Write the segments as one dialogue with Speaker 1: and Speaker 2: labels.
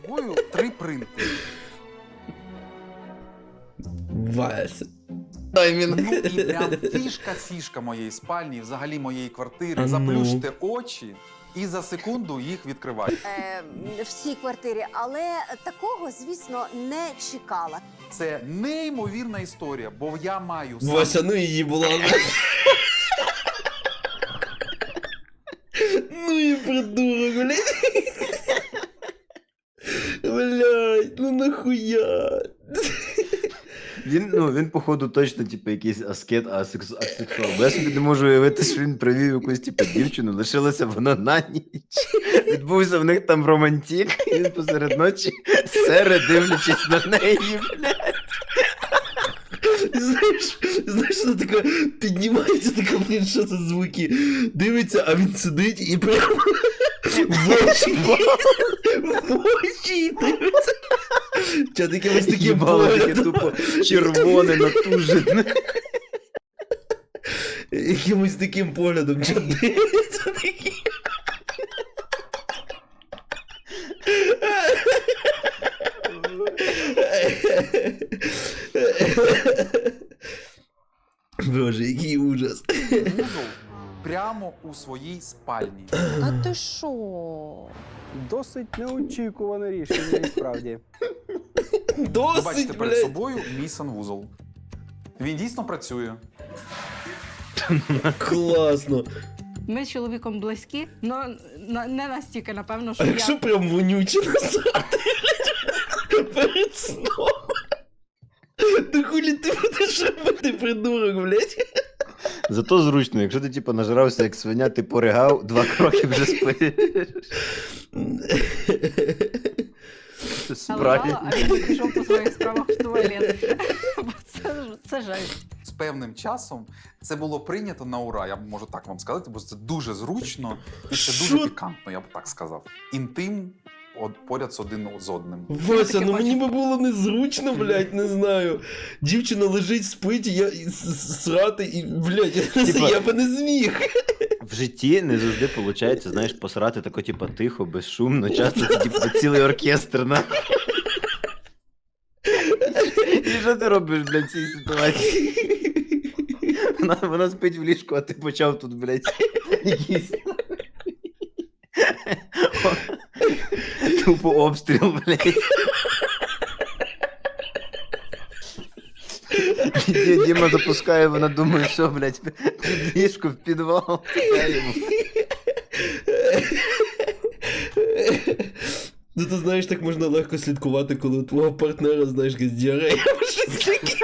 Speaker 1: собою 3 принти.
Speaker 2: Вася.
Speaker 1: Ну і прям фішка моєї спальні, взагалі моєї квартири.
Speaker 2: А ну.
Speaker 1: Заплющте очі і за секунду їх відкривайте.
Speaker 3: В цій квартирі, але такого, звісно, не чекала.
Speaker 1: Це неймовірна історія, бо я маю сам
Speaker 2: Вася, ну її була. Ну і придурок, блядь. Блядь, ну нахуя?
Speaker 4: Він, походу, точно, типу, якийсь аскет, асексуал. Бо я собі не можу уявити, що він привів якусь, типу, дівчину, лишилася вона на ніч. Відбувся в них там романтик, і він посеред ночі сере, дивлячись на неї, блядь.
Speaker 2: Знаєш, вона така піднімається, така, блін, що це звуки. Дивиться, а він сидить і прямо в очі дивиться. Ча таке ось таке
Speaker 4: Їбало таке
Speaker 2: поглядом.
Speaker 4: тупо червоне, натужене.
Speaker 2: Якимось таким поглядом, ча дивиться такий. Боже, який ужас.
Speaker 1: вузол прямо у своїй спальні.
Speaker 3: А ти що?
Speaker 5: Досить неочікуване рішення, насправді.
Speaker 1: Ви бачите
Speaker 2: Досить,
Speaker 1: перед
Speaker 2: блядь.
Speaker 1: собою мій санвузол. Він дійсно працює.
Speaker 2: Класно.
Speaker 6: Ми з чоловіком близькі, але не настільки, напевно, що
Speaker 2: А якщо прям вонюче насрати перед сном? То хулі ти будеш робити, придурок, блядь?
Speaker 4: Зато зручно, якщо ти, типу, нажрався як свиня, ти поригав, 2 кроки вже спиш.
Speaker 6: лежала, а він пішов по своїх справах в туалет. Бо це жесть.
Speaker 1: З певним часом це було прийнято на ура, я можу так вам сказати, бо це дуже зручно і це дуже
Speaker 2: Що?
Speaker 1: пікантно, я б так сказав. Інтим поряд з один з одним.
Speaker 2: Вася,
Speaker 6: таке
Speaker 2: ну мені
Speaker 6: бачу.
Speaker 2: би було незручно, блядь, не знаю. Дівчина лежить, спить, і я срати, і, блядь,
Speaker 4: Типа-
Speaker 2: я би не зміг.
Speaker 4: В житті не завжди виходить, знаєш, посрати тако, типу, тихо, безшумно, часто це, типу, цілий оркестр, на. І що ти робиш, блядь, в цій ситуації? Вона спить в ліжку, а ти почав тут, блядь, якийсь... Тупо обстріл, блядь. Діма запускає, вона думає, що, блядь, під ліжко, в підвал.
Speaker 2: Ну ти знаєш, так можна легко слідкувати, коли у твого партнера, знаєш, якась діарея або щось таке.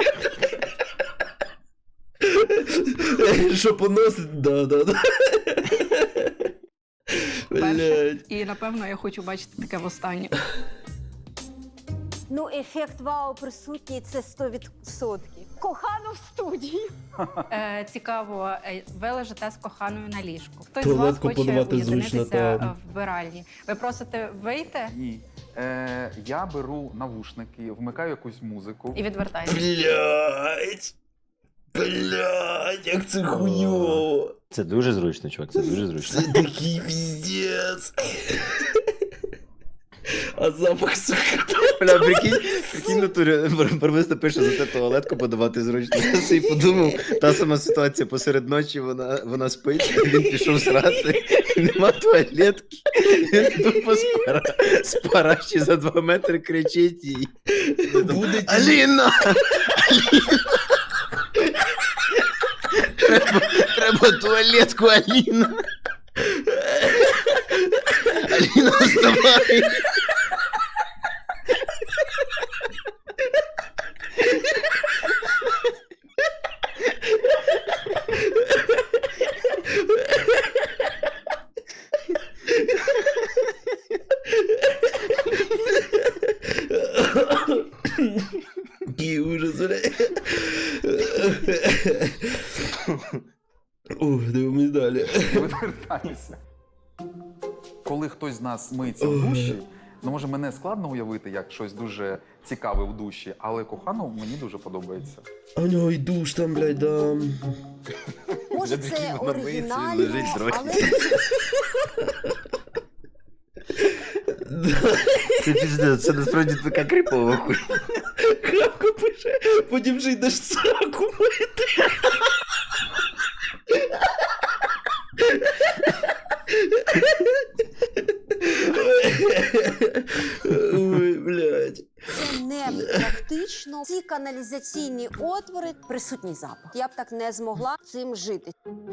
Speaker 2: Що поносить? Да.
Speaker 6: Перше.
Speaker 2: Блядь.
Speaker 6: І, напевно, я хочу бачити таке востаннє.
Speaker 3: Ну, ефект вау присутній, це 100%. Кохано в студії.
Speaker 6: Цікаво, ви лежите з коханою на ліжку. Хтось з
Speaker 2: Туалет
Speaker 6: вас хоче
Speaker 2: компонувати зручно,
Speaker 6: уєдинитися
Speaker 2: та.
Speaker 6: в вбиральні. Ви просите вийти
Speaker 1: Ні. Я беру навушники, вмикаю якусь музику.
Speaker 6: і відвертаєтесь.
Speaker 2: Блядь, як це хуйово.
Speaker 4: Це дуже зручно, чувак, це дуже зручно.
Speaker 2: Це такий піздец. А запах, сука.
Speaker 4: Бля, прикинь, натурі, Барвиста пише за те туалетку подавати зручно. Я собі подумав, та сама ситуація, посеред ночі вона спить, він пішов срати, нема туалетки, він тупо з параші за 2 метри кричить їй.
Speaker 2: Буде
Speaker 4: Аліна! Треба туалетку, Аліна! Аліна, вставай!
Speaker 2: Який ужас, блядь. Ух, дивимось далі.
Speaker 1: Відвертаюся. Коли хтось з нас миється в душі, ну може мене складно уявити як щось дуже цікаве в душі, але кохану мені дуже подобається.
Speaker 2: А у нього й душ там, блядь, да.
Speaker 3: Може,
Speaker 4: Прикинь,
Speaker 3: це
Speaker 4: вона миється, він
Speaker 3: оригінально,
Speaker 4: лежить, дрочить.
Speaker 3: але
Speaker 2: Да.
Speaker 4: Це піздець, це насправді така кріпова хуйня.
Speaker 2: Крапка пише, потім вже йдеш сраку мити. Ой, блядь.
Speaker 3: Це не практично. Ці каналізаційні отвори присутній запах. Я б так не змогла цим жити.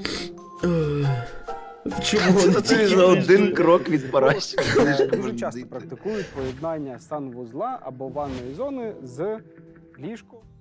Speaker 2: Чому
Speaker 4: Це
Speaker 2: вони
Speaker 4: тобі
Speaker 2: тільки
Speaker 4: за один
Speaker 2: прийшли?
Speaker 4: крок від паращика.
Speaker 5: Дуже часто практикують поєднання санвузла або ванної зони з ліжком.